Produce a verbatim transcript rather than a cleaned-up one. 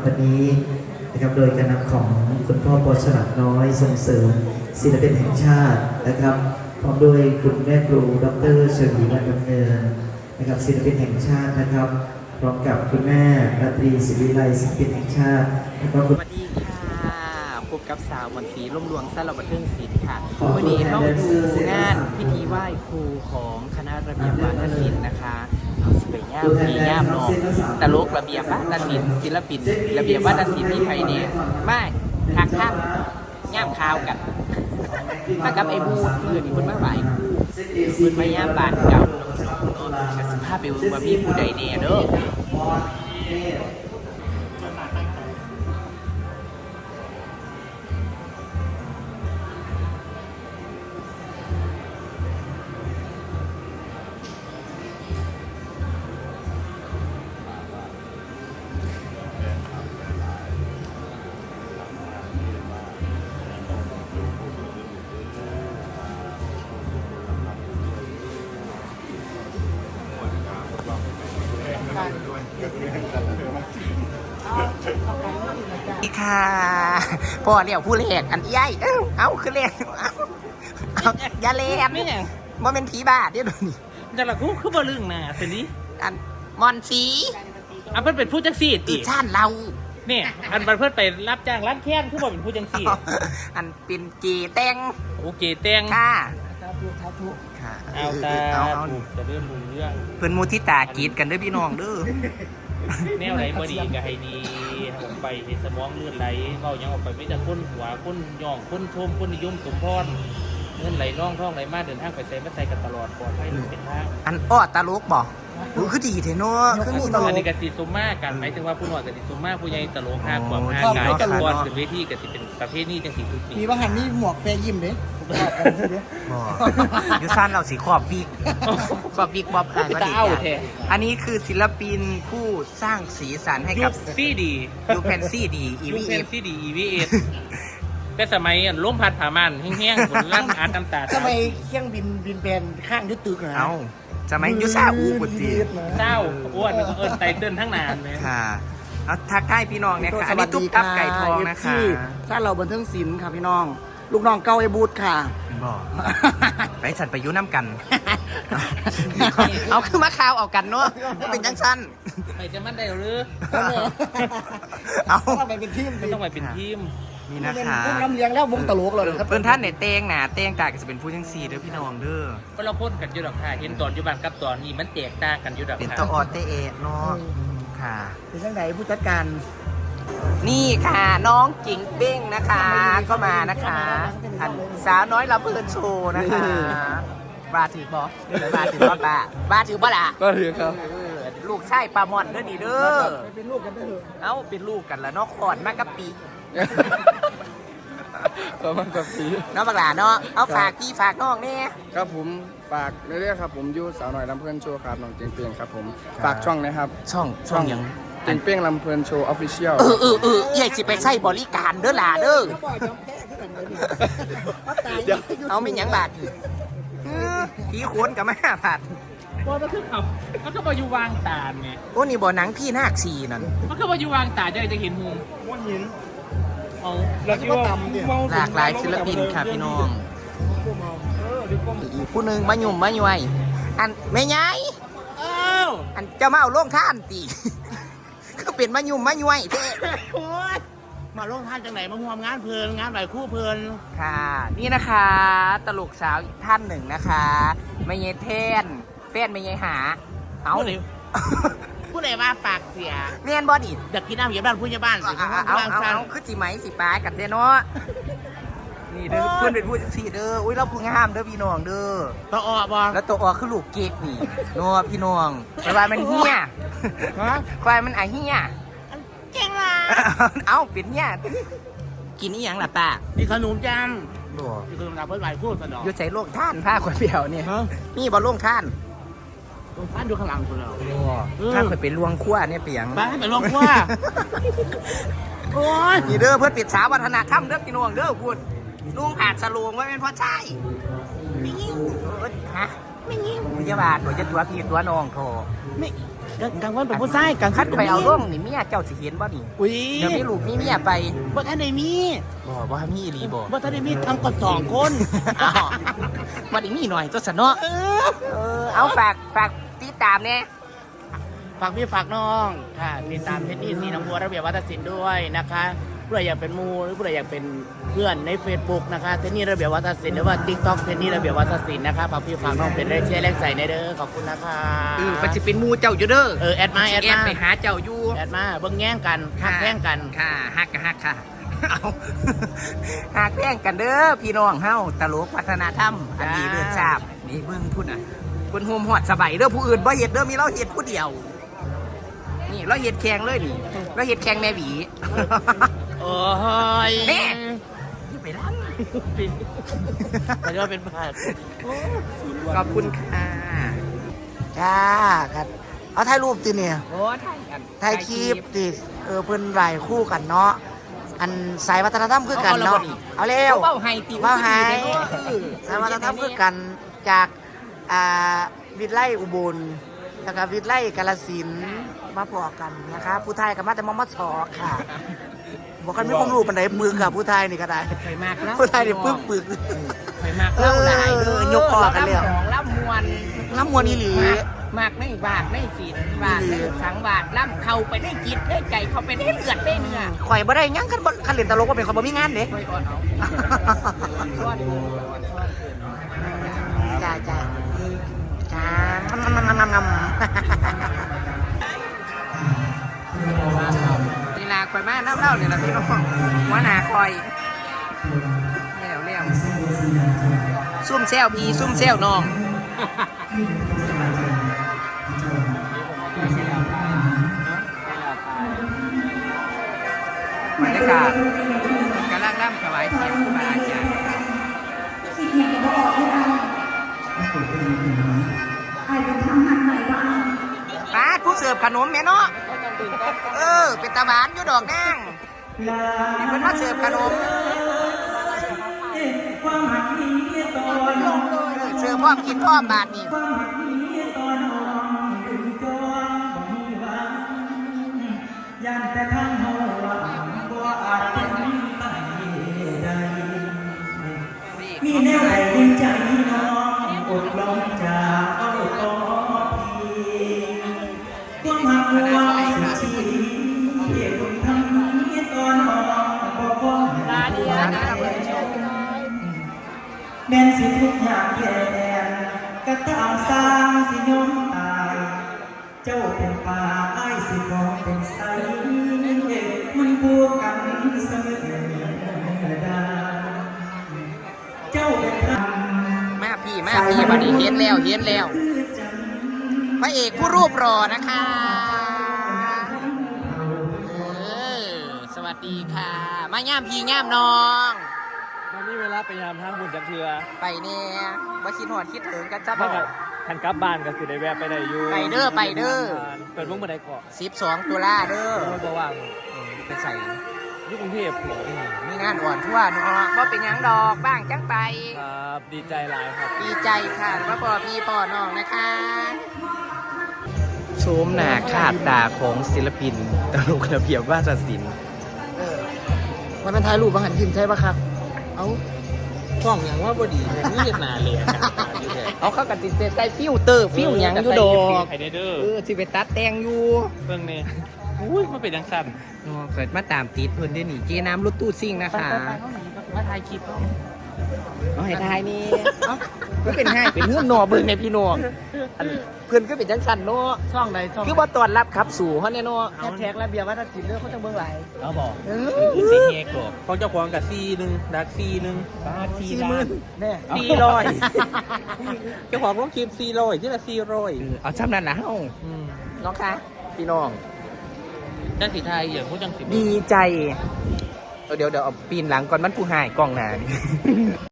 วันนี้นะครับโดยการนำของคุณพ่อปอฉลาดน้อยส่งเสริมศิลปินแห่งชาตินะครับพร้อมด้วยคุณแม่ครูดร.เฉลีวันดำเนินนะครับศิลปินแห่งชาตินะครับพร้อมกับคุณแม่ราตรีศิริไลศิลปินแห่งชาติแล้วก็คุณสวัสดีค่ะพบกับสาวมนศรีร่มรวงสารบันเทิงศิลป์ค่ะวันนี้เราดูงานพิธีไหว้ครูของคณะระเบียบวาทศิลป์นะคะเอาสวยงามดีงามนองตลกระเบียบวาทศิลป์ศิลปินระเบียบวาทศิลป์ที่ไทยเนี่ยมากทักข้ามย่ามข่าวกันมากับไอ้บูดเมื่อนี่คุณมาไหวคุณมาย่ามบาดเก่าสภาพเป็นว่ามีผู้ใดเนี่ยเด้อค่ะพ่อเนี่ยผู้เล็กอันใหญ่เอ้าเอาคือเล็กเอาเอาอย่าเล็กนี่ไงมันเป็นผีบ้าเดี๋ยวนี้จะละกูคือบ่ลึงน่ะสินี้อันมอนสีอ่ะเพิ่นเป็นผู้จังซี่ติชาติเราเนี่ยอันเพิ่นไปรับจ้างร้านแค้นคือบ่เป็นผู้จังซี่อันเป็นเกแตงโอเคแตงค่ะสาธุสาธุค่ะเอาตาจะเริ่มรู้เรื่องเพิ่นมุทิตากีดกันเด้อพี่น้องเด้อแนวไหนบ่ดีก็ให้ดีออกไปให้สมองเลื่อนไหลเว้ายังออกไปไม่จะค้นหัวค้นย่องค้นชมค้นนิยมสมพรเงินไหลน่องท่องไหลมาเดินทางไปใส่มาใส่กันตลอดปลอดภัยเป็นทางอันอ้อตาลุกบอกรู้คือดีเถอะเนาะคือมีตลกอันนี้กสิสุมากันหมายถึงว่าผู้น้อยกสิสุมาผู้ใหญ่ตลกห้าความห้ากายกันก่อนขึ้นเวทีกสิเป็นประเภทนี้จังสีทุกปีมีบางหันนี่หมวกแปรยิ้มเด้ยูซันเราสีขอบวิกขอบวิกบอบกันก็ดีอันนี้คือศิลปินผู้สร้างสีสันให้กับซีดียูเพนซีดีอีวีเอฟซีดีอีวีเอฟแต่สมัยล้มพัดผ่ามันแห้งๆบนร่างอาร์ตน้ำตาสมัยเครื่องบินบินแบนข้างยึดตึกนะเอาสมัยยูซาอูบุตรีเศร้าอ้วนเอิญไตเติ้ลทั้งนานเลยค่ะเอาทักทายพี่น้องเนี่ยค่ะอันนี้ตุ๊กตับไก่ทองนะคะถ้าเราบันเทิงศิลป์ค่ะพี่น้องลูกน้องเก้าไอ้บูธค่ะบอกไปฉันไปยุ่น้ำกันเอาคือมาข่าวเอากันเนาะเป็นจังสั้นไปจะมันได้หรือเอาต้องไปเป็นทีมต้องไปเป็นทีมนี่นะคะพวกน้ำเลี้ยงแล้ววงตลกเลยครับเพื่อนท่านเนี่ยเต้งหนาเต้งตาก็จะเป็นผู้ทั้งสี่เด้อพี่น้องเด้อก็เราพ่นกันอยู่ดอกค่ะเห็นตอนอยู่บ้านกับตอนนี้มันแตกต่างกันอยู่ดอกค่ะเป็นตะออเตเอเนาะค่ะเป็นยังไงผู้จัดการนี่ค่ะน้องจิงเบ้งนะคะก็มานะคะอันสาวน้อยลำเพลินโชว์นะคะบาถือบอสบาถือบอสบาบาถือบอสละก็ถือครับลูกชายปลาหมอนเด้อนี่เด้อเป็นลูกกันเด้อเอ้าเป็นลูกกันแล้วนอกขอนมากกะปีก็มากะปีน้องบักหลาเนาะเอาฝากพี่ฝากน้องเนี่ยครับผมฝากเรื่อยๆครับผมยูสาวหน่อยลำเพลินโชว์ครับน้องเจียงเปียงครับผมฝากช่องนะครับช่องช่องยังเจียงเปียงลำเพลินโชว์ออฟฟิเชียลเออเออเออใหญ่สิไปใช้บริการเด้อหล่าเด้อเอาไม่ยังบาดผีโขนกับแม่ผัดว่ามันคือเขามันก็มาอยู่วางตาไงโอ้นี่บ่อนังพี่นาคซีนั่นมันก็มาอยู่วางตาจะจะเห็นมุมว่าหินเอาแล้วก็ตำเนี่ยหลากหลายศิลปินค่ะพี่น้องอีกผู้หนึ่งมาหยุ่มมาหย่วยอันไม่ไงอันจะมาเอาโล่งท่านตีก็เป็นมาหยุ่มมาหย่วยเท่มาลงท่านจังไหนมาห่วงงานเพลินงานไหลคู่เพลินค่ะนี่นะคะตลกสาวอีกท่านหนึ่งนะคะไม่เยเทนเฟ้นไม่เยหาเอาเลยผู้ใดว่าปากเสียเรียนบอดี้อยากกินน้ำเหยียบบ้านผู้ใหญ่บ้านสิเอาเอาเอาคือจีไหมสิป้ากันเด้เนาะนี่เด้อเพื่อนเป็นผู้สี่เด้ออุ้ยเราพูดงามเด้อพี่น้องเด้อตัวออกบอแล้วตัวออกคือลูกเก๊กนี่เนาะพี่น้องแต่ว่ามันเฮี้ยควายมันไอเฮี้ยเก่งล่ะเอาเป็นเฮี้ยกินนี่ยังล่ะป้านี่ขนมจังบ่นี่ขนมจังเพิ่นไหวพูดสนองอยู่ใส่โล่งท่านผ้าขวดเปล่าเนี่ยนี่บอลโล่งท่านลงท่านดูข้างหลังคุณเราถ้าเคยไปลวงขั้วเนี่ยเปียงไปไปลวงขั้วโอ้ยนี่เด้อเพื่อนปิดสาวัฒนธรรมเด้อพี่น้องเด้อพูดลุงผาดสลวงไว้เป็นพ่อชายไม่ยิ่งฮะไม่ยิ่งวิญญาณหนูจะตัวพี่ตัวน้องโถไม่กลางวันเป็นผู้ชายกลางคัคัดนไปเอาร่องนี่เมียเจ้าสิเห็นบ่นี่อุ้ยเดี๋ยวมีลูกมีเมียไปบ่ทันได้มีบ่บ่มีอีหลีบ่บ่ทันได้มีทำกันสองคนอ้าวบ่ได้มีหน่อยตัวสนเนาะเออเออเอาฝากฝากติดตามแน่ฝากพี่ฝากน้องค่ะติดตามเทนนี่สีน้ำบัวระเบียบวัฒนศิลป์ด้วยนะคะผู้ใดอยากเป็นมูหรือผู้ใดอยากเป็นเพื่อนใน Facebook นะคะเทนนี่ระเบียบวัฒนศิลป์หรือว่า TikTok เทนนี่ระเบียบวัฒนศิลป์นะคะฝากพี่ฝากน้องเป็นแรงเชียร์แรงใจในเด้อขอบคุณนะคะเออมันสิเป็นหมู่เจ้าอยู่เด้อเออแอดมาแอดสิมาไปหาเจ้าอยู่แอดมาเบิ่งแย่งกันทักแย่งกันค่ะฮักก็ฮักค่ะเอาฮักแย่งกันเด้อพี่น้องเฮาตลกวัฒนธรรมอันนี้เลือดชาบนี่เบิ่งพุ่นน่ะเพิ่นโฮมฮอดสบายเด้อผู้อื่นบ่เฮ็ดเด้อมีเราเฮ็ดผู้เดียว นี่เราเฮ็ดแข่งเลยนี่เราเฮ็ดแข่งแม่หวีโอ้ยแม่ไปรังแต่ก็เป็นผ่านขอบคุณค่ะจ้าครับเอาถ่ายรูปติเนี่ยโอ้ถ่ายกันถ่ายคลิปติเออเพิ่นไหวคู่กันเนาะอันสายวัฒนธรรมคือกันเนาะเอาเร็วเบ้าไฮติเบ้าไฮเออสายวัฒนธรรมคือกันจากอ่าวิทย์ไล่อุบลแล้วก็วิทย์ไล่กาฬสินธุ์มาพอกันนะคะผู้ไทยกับมาแต่มอมสอค่ะบอกกันไม่ความรู้ปันไดมือกับผู้ไทยนี่ก็ได้เคยมากแล้วผู้ไทยนี่ปึกปึกเคยมากเล่าหลายเด้อเออยกออกกันเลยล่ำของล่ำมวนน้ำมวลอีหลีมากไม่บาดไม่ศีลบาดไม่สังบาดล่ำเข้าไปได้จิตได้ใจเข้าไปได้เลือดได้เนื้อข่อยบ่ได้หยังคันบ่คันเล่นตลกบ่เป็นข่อยบ่มีงานเด้ช่วยก่อนเอาชวดชวดชวดจ้าจ้าจ้างำงำงำงำนี่ลาคอยมาน้ำเล่าเนี่ยนะพี่น้องหัวหน้าคอยแล้วแล้วซุ่มแซวพี่ซุ่มแซวน้องบรรยากาศกำลังร่ำถวายเสียงครูบาอาจารย์ป้าผู้เสิร์ฟขนมแม่เนาะเออเป็นตาหวานอยู่ดอกนางนี่เพิ่นมาเสิร์ฟขนมเออเสิร์ฟพร้อมกินพร้อมบาทนี่ย่านแต่ทางเฮาบ่อาจเป็นไปได้มีแนวใดในใจน้องอดลงจากเอาต่อพี่ความหักหัวสุดชีเกี่ยวกับทำนี้ตอนน้องบ่พอลาเดียนะแม่นสิทุกอย่างแก่แดนก็ตามสร้างสิยอมตายเจ้าเป็นป่าไอ้สิขอเป็นไสมันพูดกันเสมอได้เจ้าเป็นพระมาพี่มาพี่บัดนี้เห็นแล้วเห็นแล้วพระเอกผู้รูปรอนะคะเออสวัสดีค่ะ มาย่ามพี่ย่ามน้องวันนี้เวลาไปยามทางบุญจักเทือไปเนี่ยมาคิดหอดคิดถึงกันจ้าบถ้าอกับกทันกลับบ้านก็สิได้แวะไปได้อยู่ไปเด้อไปเด้อเปิดวงบันไดเกาะสิบสองตุลาเด้อเออบ่ว่างไปใส่อยุคกรุงเทพฯมีงานอ่อนทั่วเนาะว่าเป็นหยังดอกบ้างจังไปครับดีใจหลายครับดีใจค่ะว่าพ่อพี่พ่อน้องนะคะโชมหน้าขาดตาของศิลปินตลกระเบียบวาทศิลป์มันเป็นถ่ายรูปบางหันทิมใช่ปะครับเอา กล้องอย่างว่าบดีนี่เวียดนามเลยเอาเข้ากับติดใส่ฟิลเตอร์ฟิลหยังอยู่ดอกไฮเดเดอร์เออสิไปตัดแต่งอยู่เพิ่งนี่อุ้ยมันเป็นยังสั้นเนาะเกิดมาตามติดเพิ่นได้หนีเจน้ำรถตู้ซิ่งนะคะมาถ่ายคลิปเอาให้ทายนี่เอ้าก็เป็นให้เป็นเฮือนหนอเบิ่งในพี่น้องอันเพิ่นก็เป็นจังซั่นเนาะช่องใดช่องคือบ่ต้อนรับขับสู่เฮาแน่เนาะแฮชแท็กระเบียบวัฒนศิลป์เรื่องเขาจะเบิ่งหลายเอาบอกเอซีอเฮกหรอกเขาเจ้าของกับซีหนึ่งดักซีหนึ่งซีสี่หมื่นแน่ซีร้อยเจ้าของต้องคลิปซีร้อยที่ละซีร้อยเอาซ้ำนั่นล่ะเฮาน้องคะพี่น้องจังสีไทยอย่างพวกจังสีดีใจ เดี๋ยวเดี๋ยวเอาปีนหลังก่อนมันผู้หายกล้องหน้านี่